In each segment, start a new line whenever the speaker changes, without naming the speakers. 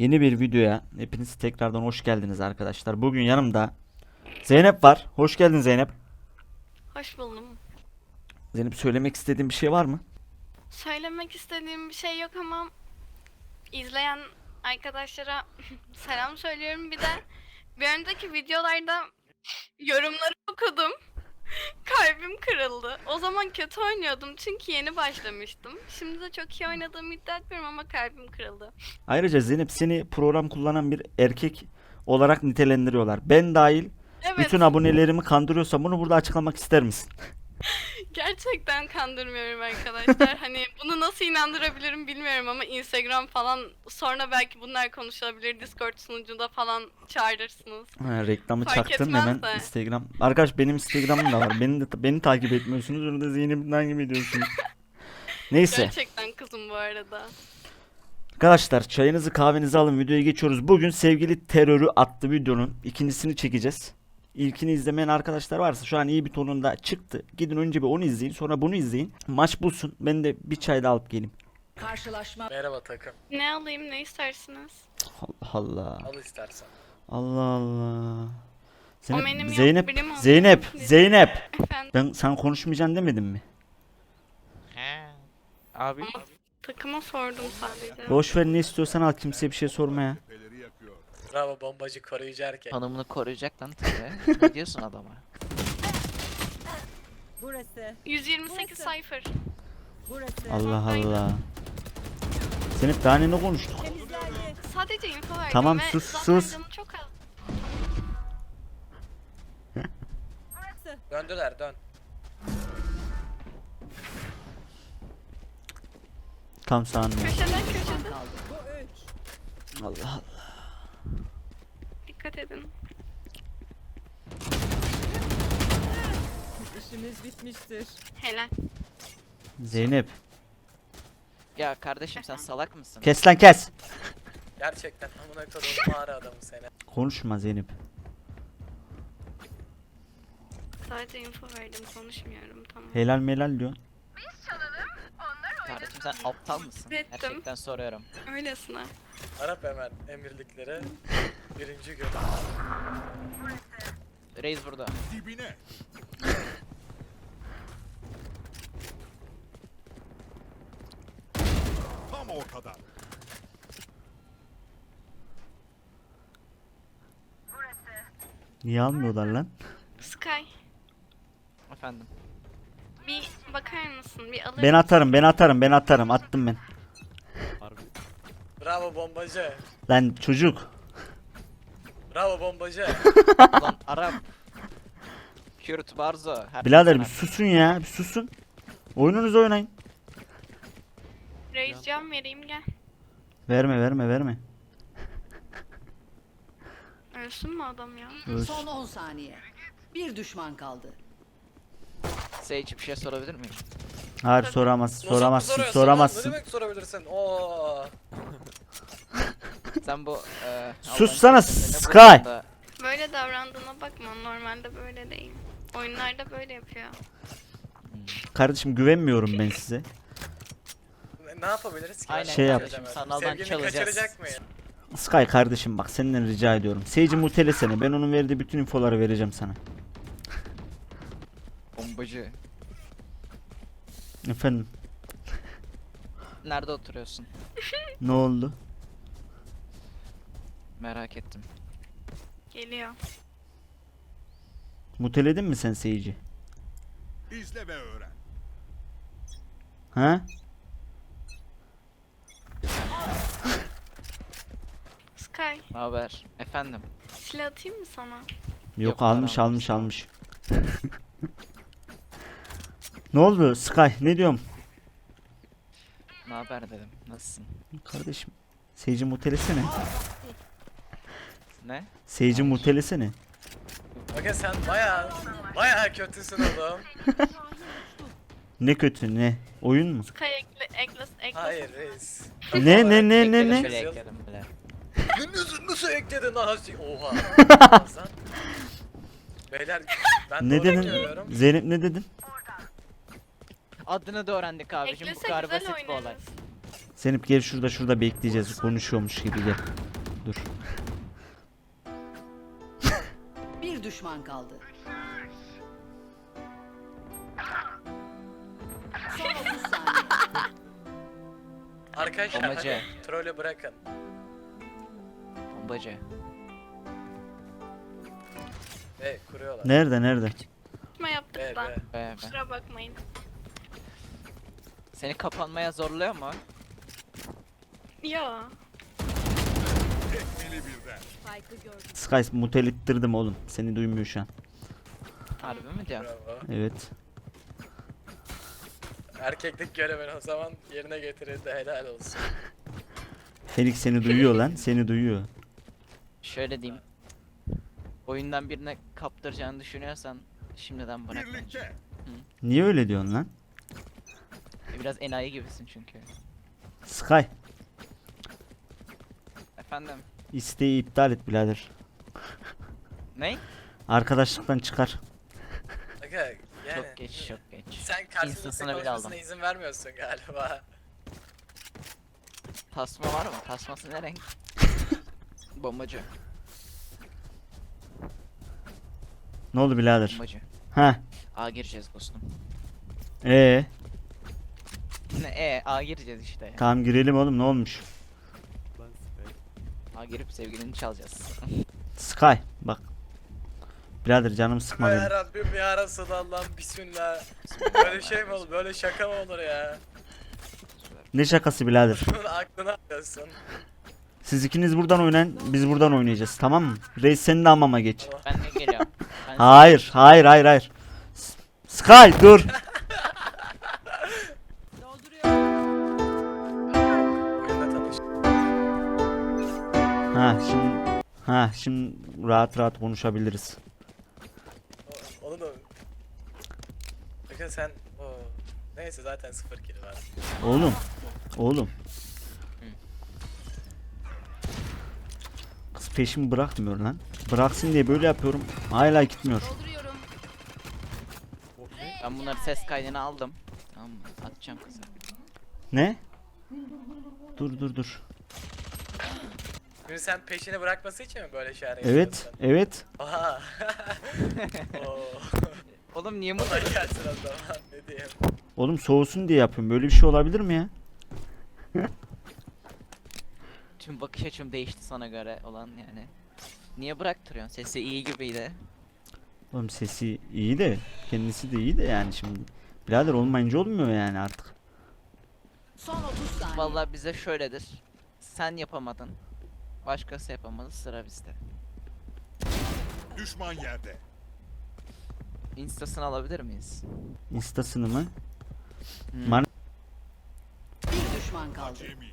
Yeni bir videoya hepiniz tekrardan hoş geldiniz arkadaşlar. Bugün yanımda Zeynep var. Hoş geldin Zeynep.
Hoş buldum.
Zeynep, söylemek istediğin bir şey var mı?
Söylemek istediğim bir şey yok ama izleyen arkadaşlara selam söylüyorum. Bir de bir önceki videolarda yorumları okudum. Kalbim kırıldı. O zaman kötü oynuyordum çünkü yeni başlamıştım. Şimdi de çok iyi oynadığımı iddia etmiyorum ama kalbim kırıldı.
Ayrıca Zeynep, seni program kullanan bir erkek olarak nitelendiriyorlar. Ben dahil
Evet,
bütün abonelerimi kandırıyorsam bunu burada açıklamak ister misin?
gerçekten kandırmıyorum arkadaşlar. Hani bunu nasıl inandırabilirim bilmiyorum ama Instagram falan sonra belki bunlar konuşulabilir. Discord sunucunda falan çağırırsınız.
Ha, reklamı
Fark
çaktın
etmez
hemen
de.
Instagram. Arkadaş, benim Instagram'ım da var. Beni takip etmiyorsunuz. Orada Zeynep'i takip ediyorsunuz. Neyse.
Gerçekten kızım bu arada.
Arkadaşlar, çayınızı kahvenizi alın, videoya geçiyoruz. Bugün Sevgili Terörü adlı videonun ikincisini çekeceğiz. İlkini izlemeyen arkadaşlar varsa şu an iyi bir tonunda çıktı. Gidin önce bir onu izleyin, sonra bunu izleyin. Maç bulsun, ben de bir çay da alıp geleyim.
Karşılaşma.
Merhaba takım.
Ne alayım, ne istersiniz?
Allah Allah.
Al istersen.
Allah Allah.
O benim yok,
Zeynep,
birim olsun.
Zeynep,
Lütfen.
Zeynep.
Efendim,
Ben sen konuşmayacaksın demedim mi?
He. Abi
takıma sordum sadece.
Boş ver, ne istiyorsan al, kimseye bir şey sorma ya.
Bravo bombacı koruyucu erkek.
hanımını koruyacak lan tabii. Ne diyorsun adama?
Burası.
128 sayfır.
Burası.
Allah Allah. Zeynep, daha ne konuştuk?
Temizlendi.
Sadece info verdim
Tamam,
ve
sus,
zaten
sus.
canım çok az.
Döndüler dön.
Tam sağında.
Köşeden köşede.
Bu üç.
Allah Allah.
Dikkat edin.
İşimiz bitmiştir.
Helal.
Zeynep.
Ya kardeşim sen salak mısın?
Kes lan kes.
Gerçekten amına koduğum mağara adamı seni.
Konuşma Zeynep.
Sadece info verdim, konuşmuyorum, tamam.
Helal melal diyor.
Kardeşim sen aptal mısın?
Ettim.
Gerçekten soruyorum.
Öylesine.
Arap hemen emirlikleri. Birinci gün.
Reis burada.
Dibine. Tam ortada.
Niye almıyorlar lan?
Sky,
Efendim.
bir bakar mısın? Bir alır
Ben atarım, ben atarım, ben atarım. Attım ben.
Bravo bombacı.
Lan çocuk.
Bravo bombacı.
Lan Arap. Kürt Barzo. Her
Birader bir
insan
susun ya, bir susun. Oyununuzu oynayın.
Reis cam vereyim, gel.
Verme, verme, verme.
Ölsün mü adam ya?
Öls.
Son 10 saniye. Bir düşman kaldı.
Sage bir şey sorabilir miyim?
Hayır,
Tabii.
soramazsın,
Nasıl
soramazsın,
soruyorsun lan?
soramazsın.
Ne demek sorabilirsin? Oo.
Sen bu
Sussana,
Allah'ın sesini
Sky.
bulduğunda-
Böyle davrandığına bakma, normalde böyle değil. Oyunlarda böyle yapıyor.
Kardeşim, güvenmiyorum ben size.
Ne yapabiliriz ki?
Aynen
Şey yap.
Çözemez.
Sanaldan
Sevgilini
çalacağız.
kaçıracak mıyım?
Sky kardeşim, bak senden rica ediyorum. Sage'i mutelesene, ben onun verdiği bütün infoları vereceğim sana.
Bombacı.
Efendim,
Nerede oturuyorsun?
ne oldu?
Merak ettim.
Geliyor.
Muteledin mi sen Sage'i?
İzle ve öğren.
Ha?
Sky,
Ne haber? Efendim.
silah atayım mı sana?
Yok,
Yok,
almış
param
almış
yok.
almış. Ne oldu Sky, ne diyorum?
Ne haber dedim. Nasılsın?
Kardeşim, Sage'i mutelesene.
Ne?
Sage'i mutelesene.
Bakın sen baya kötüsün oğlum.
Ne kötü ne? Oyun mu?
Sky ekle.
Hayır reis.
Ne ne ne
Ekledim,
ne?
şöyle ekledim bile.
Nasıl ekledin lan? Oha. Lan. Beyler ben
Ne
doğru
dedin?
söylüyorum.
Zeynep, ne dedin?
Adını da öğrendik abicim. Bu
Eklese
kadar
güzel
basit bir olay.
oynarız.
Zeynep gel, şurada bekleyeceğiz, konuşuyormuş gibi gel. Dur.
Bir düşman kaldı. Son 30 saniye.
Arkadaşlar
Bombacı.
hadi trolü bırakın.
Bombacı.
Ve kuruyorlar.
Nerede?
Tutma yaptık
Be
da.
be.
Be be.
Kusura bakmayın.
Seni kapanmaya zorluyor mu?
Ya.
Tekmili birden.
Sky mutelittirdim oğlum. Seni duymuyor şu an.
Harbi mi diyorsun?
Bravo.
Evet.
Erkeklik görevini o zaman yerine getirildi, helal olsun.
Felix seni duyuyor lan. Seni duyuyor.
Şöyle diyeyim. Oyundan birine kaptıracağını düşünüyorsan şimdiden bırak. bence.
Birlikte.
Niye öyle diyorsun lan?
Biraz enayi gibisin çünkü.
Sky.
Efendim?
İsteği iptal et birader.
Ne?
Arkadaşlıktan çıkar.
Aga yani
Çok geç, çok geç.
sen karşılıklı
Instasına bile
konuşmasına
aldım.
izin vermiyorsun galiba.
Tasma var mı? Tasması ne renk? Bombacı.
Ne oldu birader?
Bombacı.
Ha.
A gireceğiz dostum.
Ee,
Ne A gireceğiz işte ya.
tamam girelim oğlum ne olmuş?
A girip sevgilini çalacağız.
Sky bak. Birader canım sıkma
Ya
benim.
Rabbim ya Resulallah bismillah. Böyle şey mi olur? Böyle şaka mı olur ya?
Ne şakası birader?
Bunun aklına alıyorsun.
Siz ikiniz buradan oynayın, biz buradan oynayacağız tamam mı? Reis senin de hamama geç.
Ben de geliyorum. Ben
Hayır. Sky dur.
Oyunda tanış.
Şimdi rahat konuşabiliriz.
Onu da... Bakın sen... Oo. Neyse zaten 0 kill var.
Oğlum. Kız peşimi bırakmıyor lan. Bıraksın diye böyle yapıyorum. Hala gitmiyor.
Ben bunları ses kaydını aldım. Tamam mı? Atacağım kıza.
Ne? Dur.
Şimdi sen peşini bırakması için mi böyle şeyler
Evet.
yapıyorsun? Aha. Oo.
Oğlum niye
O
mutlu?
da gelsin o zaman ne diyeyim.
Oğlum soğusun diye yapıyorum. Böyle bir şey olabilir mi ya?
Tüm bakış açım değişti sana göre olan yani. Niye bıraktırıyorsun? Sesi iyi gibiydi.
Oğlum sesi iyi de kendisi de iyi de yani şimdi. Birader olmayınca olmuyor yani artık.
Son 30 saniye.
Vallahi bize şöyledir. Sen yapamadın. Başkası yapamadı, sıra bizde.
Düşman yerde.
Instasını alabilir miyiz?
Instasını mı?
Hmm.
Man-
Bir düşman kaldı.
Acemi.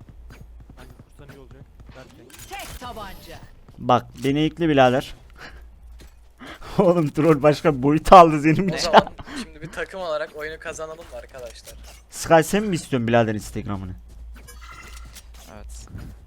Tek tabanca.
Bak beni ekle birader. Oğlum troll başka bir boyuta aldı senin
O
için.
zaman şimdi bir takım olarak oyunu kazanalım mı arkadaşlar?
Sky sen mi istiyorsun birader Instagram'ını?
Evet.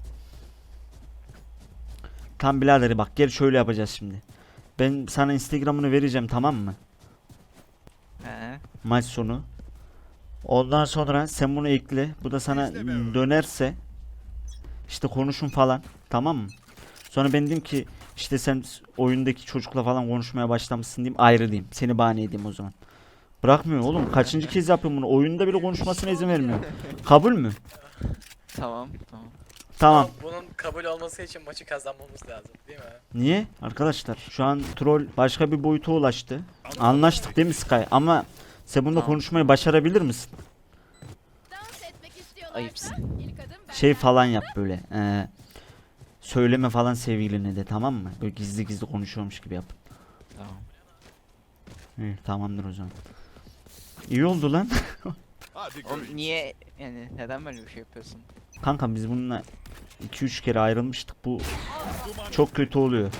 Tam birader bak gel şöyle yapacağız şimdi. Ben sana Instagram'ını vereceğim tamam mı?
He.
Maç sonu. Ondan sonra sen bunu ekle. Bu da sana dönerse işte konuşun falan. Tamam mı? Sonra ben diyeyim ki işte sen oyundaki çocukla falan konuşmaya başlamışsın diyeyim ayrı diyeyim. Seni bahane edeyim o zaman. Bırakmıyor oğlum. Kaçıncı kez yapıyorum bunu? Oyunda bile konuşmasına izin vermiyor. Kabul mü?
Tamam.
Tamam.
Ama bunun kabul olması için maçı kazanmamız lazım değil mi?
Niye? Arkadaşlar şu an troll başka bir boyuta ulaştı. Anlaştık değil mi Sky? Ama sen bunda
Tamam.
konuşmayı başarabilir misin?
Ayıpsın.
Şey falan yap böyle. Söyleme falan sevgiline de tamam mı? Böyle gizli konuşuyormuş gibi yap.
Tamam.
İyi, tamamdır o zaman. İyi oldu lan.
Hadi
Oğlum
göreyim.
niye yani neden böyle bir şey yapıyorsun?
Kanka biz bununla 2-3 kere ayrılmıştık. Bu çok kötü oluyor.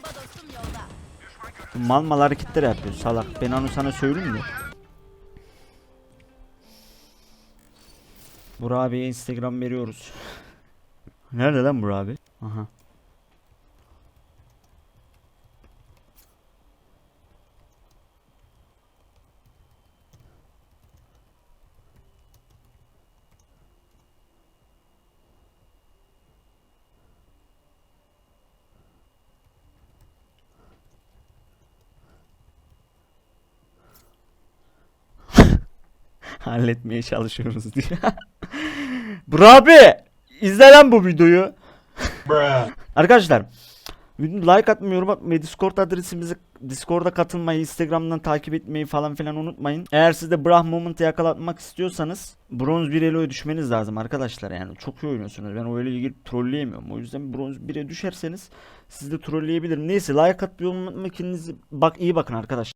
Bu mal hareketler yapıyor salak. Ben onu sana söyleyeyim de. Burak abiye Instagram veriyoruz. Nerede lan Burak abi? Aha. halletmeye çalışıyoruz diye. Bro abi izle lan bu videoyu. Arkadaşlar like atmayı, yorum atmayı, Discord adresimizi, Discord'a katılmayı, Instagram'dan takip etmeyi falan filan unutmayın. Eğer siz de Brah Moment'ı yakalatmak istiyorsanız bronz 1 elo'ya düşmeniz lazım arkadaşlar. Yani çok iyi oynuyorsunuz. Ben o elo'yu girip trolleyemiyorum. O yüzden bronz 1'e düşerseniz siz de trolleyebilirim. Neyse like atmayı unutmayın. Kendinize iyi bakın arkadaşlar.